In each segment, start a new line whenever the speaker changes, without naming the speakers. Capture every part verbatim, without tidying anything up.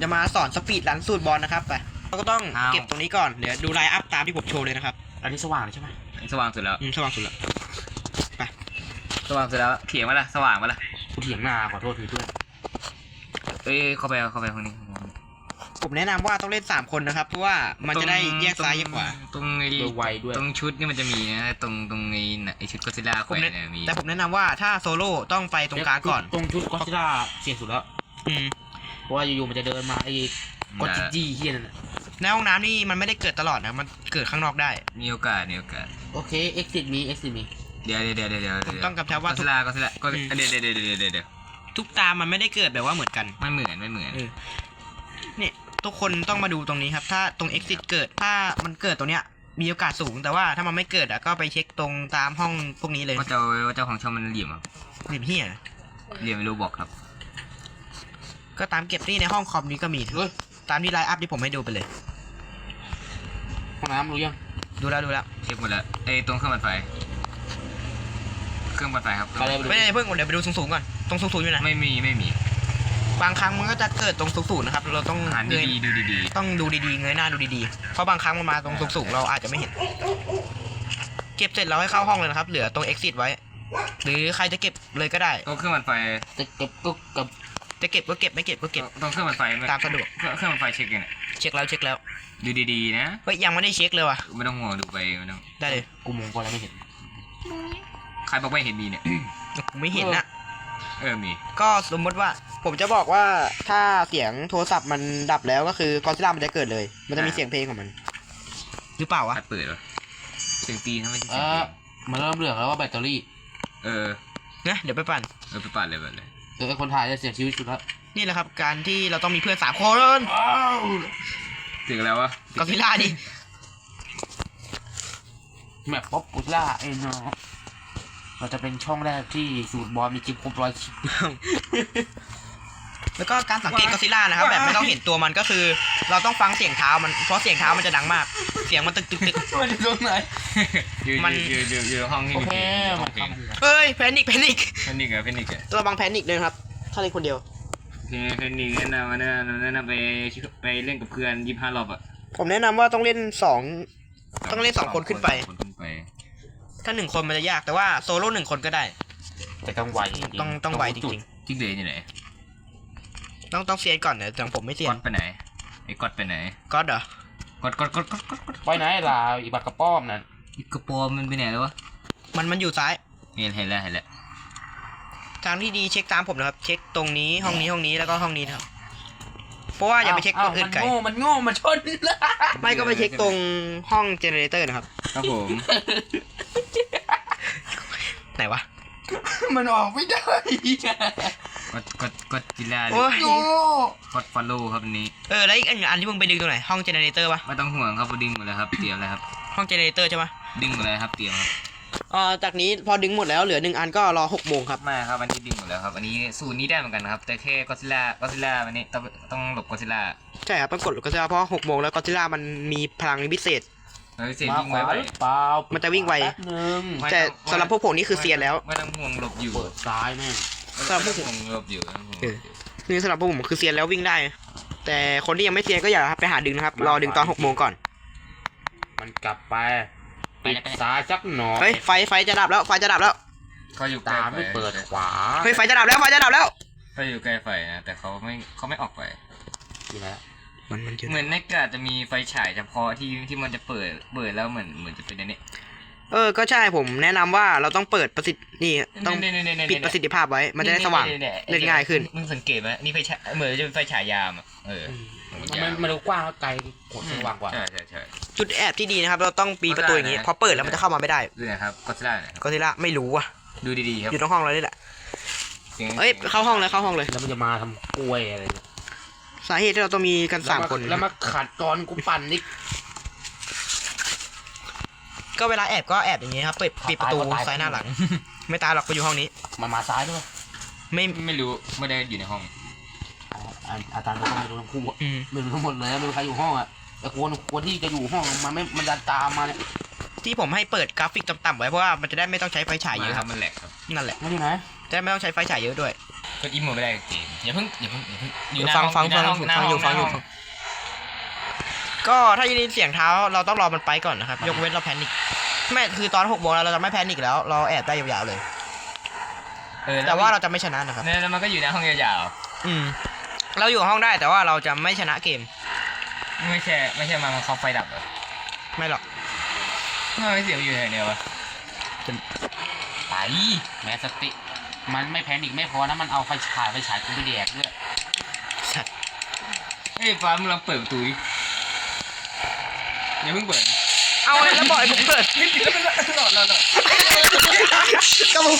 จะมาสอนสปีดรันสูตรบอลนะครับไปเราก็ต้องเก็บตรงนี้ก่อนเดี๋ยวดูไลน์อัพตามที่ผมโชว์เลยนะครับอันนี้สว่างใช่ไหม
สว่างสุดแล้ว
อืมสว่างสุดแล้วไป
สว่างสุดแล้วเถียงมาละสว่างมาละ
กูเถียงหน้าขอโทษทีเพื่อน
เอ้ยเข้าไปเข้าไปคนนี้
ผมแนะนำว่าต้องเล่นสามคนนะครับเพราะว่ามันจะได้แยกซ้ายแยกขวา
ตรงไอ้ไวด้วยตรงชุดนี่มันจะมีนะตรงตรงไอ้ไอ้ชุดก็ซิล่าแขวนเนี่ยมี
แต่ผมแนะนำว่าถ้าโซโล่ต้องไปตรงกลางก่อน
ตรงชุดก็ซิล่าเสี่ยงสุดแล้ว
อืม
เพราะว่าอยู่ๆมันจะเดินมาไอ้กดจีจี้เฮียนั่นแหละ
ในห้องน้ำนี่มันไม่ได้เกิดตลอดนะมันเกิดข้างนอกได้
มีโอกาสมีโอกาส
โอเค exit มี exit มี
เดี๋ยวเดี๋ยวเดี๋ยวเดี๋ยว
ผมต้องกำชับว่า
ก็ซิล่าก็ซิล่าก็เดี๋ยวเดี๋ยวเดี๋ยวเดี๋ยวเดี๋ยว
ทุกตามันไม่ได้เกิดแบบว่าเหมือนกัน
ไม่เหมือนไม่เหมือน
เนี่ยทุกคนต้องมาดูตรงนี้ครับถ้าตรง exit เกิดถ้ามันเกิดตรงเนี้ยมีโอกาสสูงแต่ว่าถ้ามันไม่เกิดอ่ะก็ไปเช็คตรงตามห้องพวกนี้เลย
ว่าเจ้าว่าเจ้าของช่องมันเหลี่ยมอ่ะ
เหลี่ยมเหี้ย
เหลี่ยมไม่รู้บอกครับ
ก็ตามเก็บนี่ในห้องคอมนี้ก็มีตามที่ไลน์อัพที่ผมให้ดูไปเลย
ห้องน้ำรู้ยัง
ดูแล้วดูแล้ว
เช็คหมดแล้วไอ้ตรงเครื่องปั่นไฟเครื่องปั่นไฟครับ
ไม่ได้เพิ่งเดี๋ยวไปดูสูงๆก่อนตรงสูงๆอยู่ไหน
ไม่มีไม่มี
บางครั้งมันก็จะเกิดตรงสูงๆนะครับเราต้อง
หันดีๆดูดี
ๆต้องดูดีๆเงยหน้าดูดีๆเพราะบางครั้งมันมาตรงสูงๆเราอาจจะไม่เห็นเก็บเสร็จเราให้เข้าห้องเลยนะครับเหลือตรง exit ไว้หรือใครจะเก็บเลยก็ได้
ตรงเครื่องปั่นไฟ
จะเก็บก็กับ
จะเก็บก็เก็บไม่เก็บก็เก็บ
ตรงเครื่องปั่นไฟ
ตามสะดวก
เครื่องปั่นไฟเช็คยังไง
เช็คแล้วเช็คแล้ว
ดูดีๆนะ
เฮ้ยยังไม่ได้เช็คเลยว่ะ
ไม่ต้องห่วงดูไปไม่ต้อง
ได้เลย
กูมองก็แล้วไม่เห็น
ใครบอกไม่เห็นมีเนี่ย
กูไม่เห็นนะ
เออมี
ก็สมมติว่าผมจะบอกว่าถ้าเสียงโทรศัพท์มันดับแล้วก็คือกอซิล่ามันจะเกิดเลยมันจะมีเสียงเพลงของมันหรือเปล่าวะ
เปิดเหรอเสียงตีนทำไมเสียง
ตีนมันเริ่มเหลืองแล้วว่าแบตเตอรี่
เออ
เนี่ยเดี๋ยวไปปั่น
เออไปปั่นเลยปั่นเลย
เออคนถ่ายจะเสียชีวิตสุดแล้ว
นี่แหละครับการที่เราต้องมีเพื่อนสามคน
ถึงแล้ววะ
กอซิล่าดิ
แมปป๊อปปูล่าไอ้เนาะเราจะเป็นช่องแรกที่สูตรบอลมีคลิปครบร้อยคลิป
แล้วก็การสังเกตกอซิล่านะครับแบบไม่ต้องเห็นตัวมันก็คือเราต้องฟังเสียงเท้ามันเพราะเสียงเท้ามันจะดังมากเสียงมันตึกตึกตึก
มันอยู่ตรงไหน
มันอยู่อยู่อยู่ห้องที่มีเพลง
เฮ้ยแพนิคแพนิค
แพนิคอะแพนิคอะ
ระวังแพนิคเลยครับถ้าเล่นคนเดียว
แพนิคแนะนำแนะนำแนะนำไปไปเล่นกับเพื่อนยี่สิบห้ารอบอะ
ผมแนะนำว่าต้องเล่นสองต้องเล่นสองคนขึ้นไปถ้าหนึ่งคนมันจะยากแต่ว่าโซโล่หนึ่งคนก็ได้
แต่ต้องไว
ต้องต้องไวจริง
ๆจิ๊กเลยอยู่ไหน
ต้องต้องเซียนก่อนนะแต่ผมไม่เซียน
ก๊อตไปไหนไอ้ก๊อตไปไหน
ก๊อตเหรอ
ก๊อตก๊อตก๊อตก๊อตก๊อต
ไปไหนล่ะอีบักกระป้อมนั่น
อีกระป้อมมันไปไหนแล้ววะ
มันมันอยู่ซ้าย
เห็นเห็นแล้วเห็นแล้ว
ทางที่ดีเช็คตามผมนะครับเช็คตรงนี้ห้องนี้ห้องนี้แล้วก็ห้องนี้ครับเพราะว่าอย่าไปเช็คตรงอื่นไกล
มันโง่มันชน
ไม่ก็ไปเช็คตรงห้องเจเนเรเตอร์นะครับ
ครับผม
ไหนวะ
มันออกไม่ได้
กดกดกดจิลาเลยกดฟอลโล่ครับอันนี้
เออแล้วอีกอันที่มึงไปดึงตรงไหนห้องเจเนเรเตอร์ปะ
ไม่ต้องห่วงครับดึงหมดแล้วครับเตรียมเลยครับ
ห้องเจเนเรเตอร์ใช่ปะ
ดึงหมดแล้วครับเตรียมครับ
อ่าจากนี้พอดึงหมดแล้วเหลือหนึ่งอันก็รอหกโมงครับ
ไม่ครับอันนี้ดึงหมดแล้วครับอันนี้สูตรนี้ได้เหมือนกันครับแต่แค่ก็ซิล่าก็ซิล่าวันนี้ต้องต้องหลบก็ซิล่า
ใช่ครับต้องกดก็ซิล่าเพราะหกโมงแล้วก็ซิล่ามันมีพลังพิเศษ
เซียนวิ่งไวเ
ปล่า
มันจะวิ่งไวแต่สำหรับพวกผมนี่คือเซียนแล้ว
ไม่ต้องห่วงหลบอยู่
ซ้ายแม่
สำหรับพวก
ผมหลบอยู่
นี่สำหรับพวกผมคือเซียนแล้ววิ่งได้แต่คนที่ยังไม่เซียนก็อย่าไปหาดึงนะครับรอดึงตอนหกโมงก่อน
มันกลับไปปิดซ้ายสักหน่อย
เฮ้ยไฟไฟจะดับแล้วไฟจะดับแล้ว
เขาอยู่
ตาไม่เปิดขวา
เฮ้ยไฟจะดับแล้วไฟจะดับแล้ว
เขาอยู่ใกล้ไฟนะแต่เขาไม่เขาไม่ออกไป
นี่แหละ
มันมัน
เหมือนในกาจะมีไฟฉายเฉพาะที่ที่มันจะเปิดเปิดแล้วเหมือนเหมือนจะเป็นอันนี้
เออก็ใช่ผมแนะนำว่าเราต้องเปิดประสิทธิ์นี่ต้องปิดประสิทธิภาพไว้มันจะได้สว่างเล่นง่ายขึ้น
มึงสังเกตไหมนี่ไฟฉายเหมือนจะเป็นไฟฉายยามอ่ะเออ
มันมันดูกว้างแล้วไกลกดสว่างกว่า
ใช่ใช่ใช่
จุดแอบที่ดีนะครับเราต้องปีประตูอย่างนี้พอเปิดแล้วมันจะเข้ามาไม่ได้
ดูนะครับก็ซิล่าเนี่ย
ก็ซิล่าไม่รู้อ่ะ
ดูดีๆครับ
อยู่ตรงห้องเรานี่แหละเอ้ยเข้าห้องเลยเข้าห้องเลย
แล้วมันจะมาทำกล้วยอะไร
สาเหตุที่เราต้องมีกันสามคน
แล้วมาขัดตอนกูปั่นนี่
ก็เวลาแอบก็แอบอย่างนี้ครับเปิดปิดประตูซ้ายหน้าหลังไม่ตายหรอกไปอยู่ห้องนี้
มามาซ้ายด้วย
ไม่
ไม่รู้ไม่ได้อยู่ในห้อง
อาจารย์ก็ไม่รู้ทั้งคู่ไม่รู้ทั้งหมดเลยไม่รู้ใครอยู่ห้องอ่ะแต่ควรควรที่จะอยู่ห้องมันไม่มันดันตามมาเนี่ย
ที่ผมให้เปิดกราฟิกต่ำๆไว้เพราะว่ามันจะได้ไม่ต้องใช้ไฟฉายเยอะครับ
มันแหลกครับ
นั่นแหละ
มันอยู่ไหน
จะไม่ต้องใช้ไฟฉายเยอะด้วย
กดอีโมไม่ได้เกมอย่าเพิ่งอย่าเพิ่งอย่าเพิ่งอยู่หน้า
ฟัง
ห้
ฟัง
ห
ฟั
น้าง ห้องหน้า
ฟังอยู่
ห้
ฟังอยู่
หน้าห้
ก็ถ้ายินเสียงเท้าเราต้องรอมันไปก่อนนะครับ ยกเว้นเราแพนิคไม่คือตอนหกโมงแล้วเราจะไม่แพนิคแล้ว เราแอบได้ยาวๆเลย
เออ
แต่ว่าเราจะไม่ชนะนะครับ
เนี่ยแล้วมันก็อยู่หน้าห้องยาว
อืม เราอยู่ห้องได้แต่ว่าเราจะไม่ชนะเกม
ๆไม่ใช่ไม่ใช่มามันเขาไฟดับเหรอ
ไม่หรอก
ทำไมไม่เสียงอยู่ไหนเนี่ยวะไป
แม้สติมันไม่แพนิคไม่พอนะมันเอาไฟฉายไฟฉายกูไปแดกด้วย
สัตว์
เฮ้ยฟ้ามึงลองเปิดประตูดิอย่าเพิ่งเปิด
เอาเลยแล้วบอกไอ้ผมเปิด
ไม่ปิดแล้วมันหลอดหลอดหลอด
ก็มึง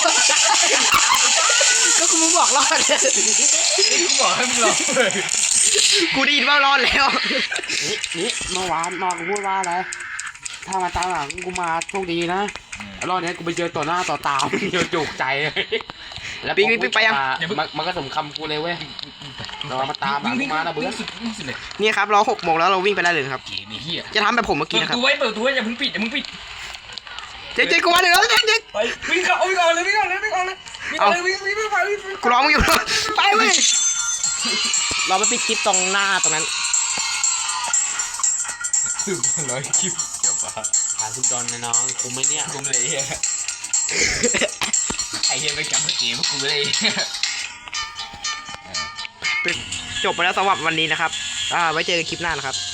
ก็มึงบอกรอด
กูบอกให้มึงลองเปิด
กูได้ยินว่ารอดแล้ว
นี่นี่เมื่อวานนอนกูพูดว่าอะไรถ้ามาตามหลังกูมาโชคดีนะรอบนี้กูไปเจอต่อหน้าต่อตาเดียวจุกใจเลยแล้ว
ปิ๊งปิ๊งปิ๊งไปยัง
มันมันก็สมคำกูเลยเว้ยเรามาตามหลังกูมานะเบื่อ
สุดวิ่งสุดเลย
นี่ครับเราหกโมงแล้วเราวิ่งไปได้เลยนะครับ
เก๋มีเหี้ย
จะทำแบบผมเมื่อ
เปิ
กี้
ด
นะ
ป
ครับ
ระตูไว้เปิดประตูไว้อย่าเพิ่งปิดอย่าเพิ่งปิด
เจ๊เจ๊กูมาหนึ่งแล้วเจ๊เจ๊
ไปวิ่งเข้าวิ่งออกเลยวิ่งออกเลยวิ่งออกเลยวิ่งออกเลยวิ่งวิ่งวิ่งไปวิ่งวิ่ง
กูร้องมึงอยู่ไปเว้ยเราไปปิดคลิปตรงหน้าตรงนั้น
สุดร้อยคลิปเดี๋ยวปะ
หาทุกดอนนะน้องกูไม่เนี่ย
กูเลยเฮียไอเฮียไปจับเกมกูเลย
จบไปแล้วสำหรับวันนี้นะครับ อ่า ไว้เจอกันคลิปหน้านะครับ